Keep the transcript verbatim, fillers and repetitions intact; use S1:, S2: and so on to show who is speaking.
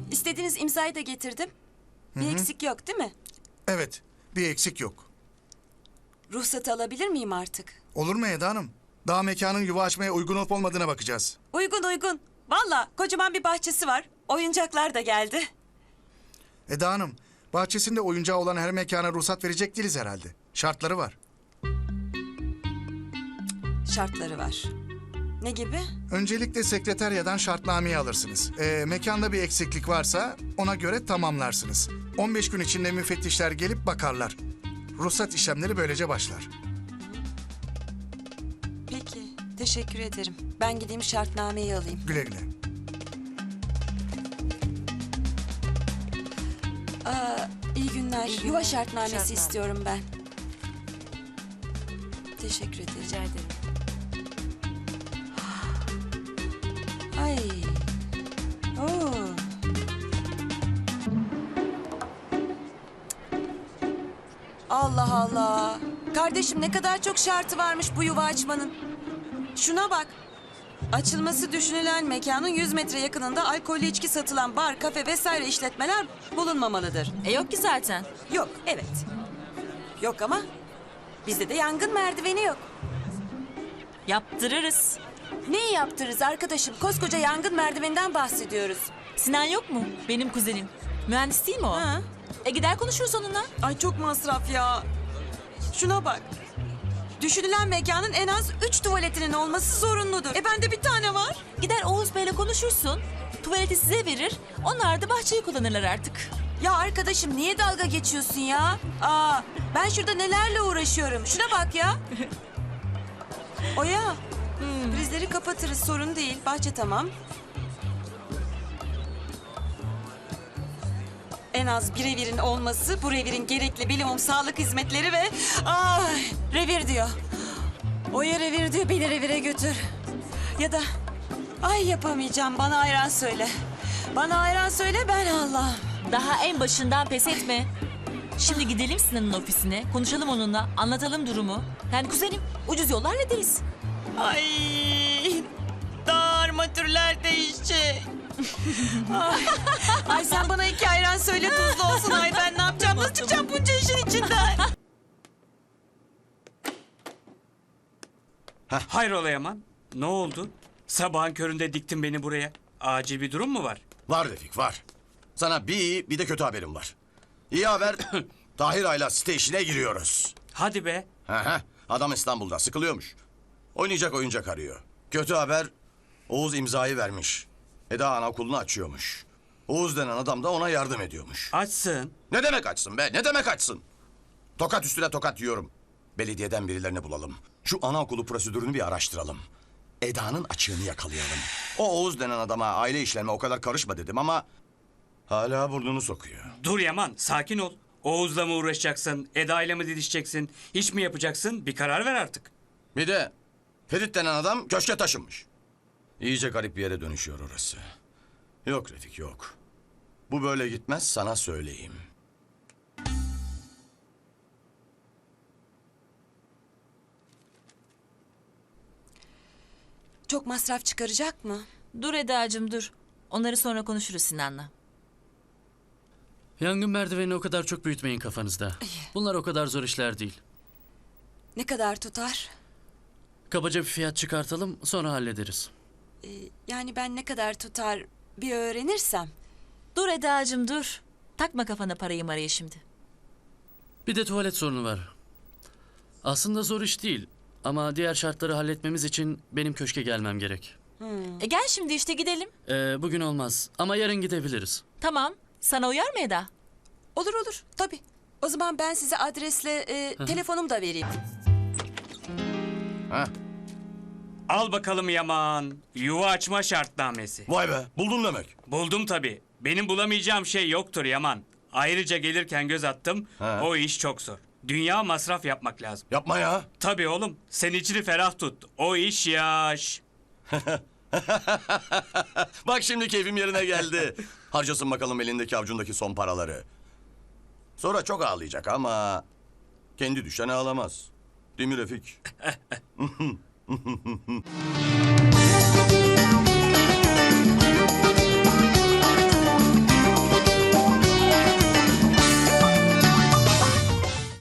S1: İstediğiniz imzayı da getirdim. Bir
S2: Hı hı.
S1: eksik yok değil mi?
S2: Evet, bir eksik yok.
S1: Ruhsatı alabilir miyim artık?
S2: Olur mu Eda Hanım? Daha mekanın yuva açmaya uygun olup olmadığına bakacağız.
S1: Uygun uygun. Valla kocaman bir bahçesi var. Oyuncaklar da geldi.
S2: Eda Hanım, bahçesinde oyuncağı olan her mekana ruhsat verecek değiliz herhalde. Şartları var.
S1: Şartları var. Ne gibi?
S2: Öncelikle sekreteryadan şartnameyi alırsınız. Ee, mekanda bir eksiklik varsa ona göre tamamlarsınız. on beş gün içinde müfettişler gelip bakarlar. Ruhsat işlemleri böylece başlar.
S1: Peki. Teşekkür ederim. Ben gideyim şartnameyi alayım.
S2: Güle güle.
S1: Aa, iyi günler.
S3: İyi
S1: Yuva
S3: günler.
S1: şartnamesi
S3: Şartname.
S1: istiyorum ben. Teşekkür ederim.
S3: Rica ederim.
S1: Ay. Oo. Allah Allah. Kardeşim ne kadar çok şartı varmış bu yuva açmanın. Şuna bak. Açılması düşünülen mekanın yüz metre yakınında alkollü içki satılan bar, kafe vesaire işletmeler bulunmamalıdır.
S3: E yok ki zaten.
S1: Yok, evet. Yok ama bizde de yangın merdiveni yok.
S3: Yaptırırız.
S1: Neyi yaptırırız arkadaşım? Koskoca yangın merdiveninden bahsediyoruz.
S3: Sinan yok mu? Benim kuzenim. Mühendis değil mi o?
S1: Ha?
S3: E gider konuşuruz onunla.
S1: Ay çok masraf ya. Şuna bak. Düşünülen mekanın en az üç tuvaletinin olması zorunludur. E bende bir tane var.
S3: Gider Oğuz Bey'le konuşursun. Tuvaleti size verir. Onlar da bahçeyi kullanırlar artık.
S1: Ya arkadaşım niye dalga geçiyorsun ya? Aa, ben şurada nelerle uğraşıyorum. Şuna bak ya. Oya. Prizleri kapatırız sorun değil. Bahçe tamam. En az bir revirin olması, bu revirin gerekli bilimum sağlık hizmetleri ve... Ay, revir diyor. Oya revir diyor, beni revire götür. Ya da... Ay yapamayacağım, bana ayran söyle. Bana ayran söyle, ben Allah'ım.
S3: Daha en başından pes etme. Şimdi gidelim Sinan'ın ofisine. Konuşalım onunla. Anlatalım durumu. Yani kuzenim ucuz yollar hallederiz.
S1: Ay, daha armatürler değişecek. Ay, ay sen bana iki ayran söyle tuzlu olsun. Ay ben ne yapacağım? Nasıl çıkacağım bunca işin içinden?
S4: Hayrola Yaman? Ne oldu? Sabahın köründe diktin beni buraya. Acil bir durum mu var?
S5: Var Refik var. Sana bir iyi bir de kötü haberim var. İyi haber Tahir Ayla site işine giriyoruz.
S4: Hadi be.
S5: Hı hı. Adam İstanbul'da sıkılıyormuş. Oynayacak oyuncak arıyor. Kötü haber Oğuz imzayı vermiş. Eda anaokulunu açıyormuş. Oğuz denen adam da ona yardım ediyormuş.
S4: Açsın.
S5: Ne demek açsın be? Ne demek açsın? Tokat üstüne tokat yiyorum. Belediyeden birilerini bulalım. Şu anaokulu prosedürünü bir araştıralım. Eda'nın açığını yakalayalım. O Oğuz denen adama aile işlerine o kadar karışma dedim ama... hala burnunu sokuyor.
S4: Dur Yaman, sakin ol. Oğuz'la mı uğraşacaksın? Eda'yla mı didişeceksin? İş mi yapacaksın? Bir karar ver artık.
S5: Bir de Ferit denen adam köşke taşınmış. İyice garip bir yere dönüşüyor orası. Yok Refik yok. Bu böyle gitmez sana söyleyeyim.
S1: Çok masraf çıkaracak mı?
S3: Dur Eda'cığım dur. Onları sonra konuşuruz Sinan'la.
S6: Yangın merdivenini o kadar çok büyütmeyin kafanızda. Bunlar o kadar zor işler değil.
S1: Ne kadar tutar?
S6: Kabaca bir fiyat çıkartalım, sonra hallederiz.
S1: Ee, yani ben ne kadar tutar bir öğrenirsem.
S3: Dur Eda'cığım dur. Takma kafana parayı marayı şimdi.
S6: Bir de tuvalet sorunu var. Aslında zor iş değil. Ama diğer şartları halletmemiz için benim köşke gelmem gerek.
S3: E gel şimdi işte gidelim.
S6: Ee, bugün olmaz ama yarın gidebiliriz.
S3: Tamam. Sana uyar mı Eda?
S1: Olur olur tabii. O zaman ben size adresle e, telefonumu da vereyim.
S5: Ha?
S4: Al bakalım Yaman. Yuva açma şartnamesi.
S5: Vay be buldun demek.
S4: Buldum tabii. Benim bulamayacağım şey yoktur Yaman. Ayrıca gelirken göz attım.
S5: Ha.
S4: O iş çok zor. Dünya masraf yapmak lazım.
S5: Yapma ya.
S4: Tabii oğlum. Sen içini ferah tut. O iş yaş.
S5: Bak şimdi keyfim yerine geldi. Harcasın bakalım elindeki avucundaki son paraları. Sonra çok ağlayacak ama... kendi düşen ağlamaz. Değil mi Refik?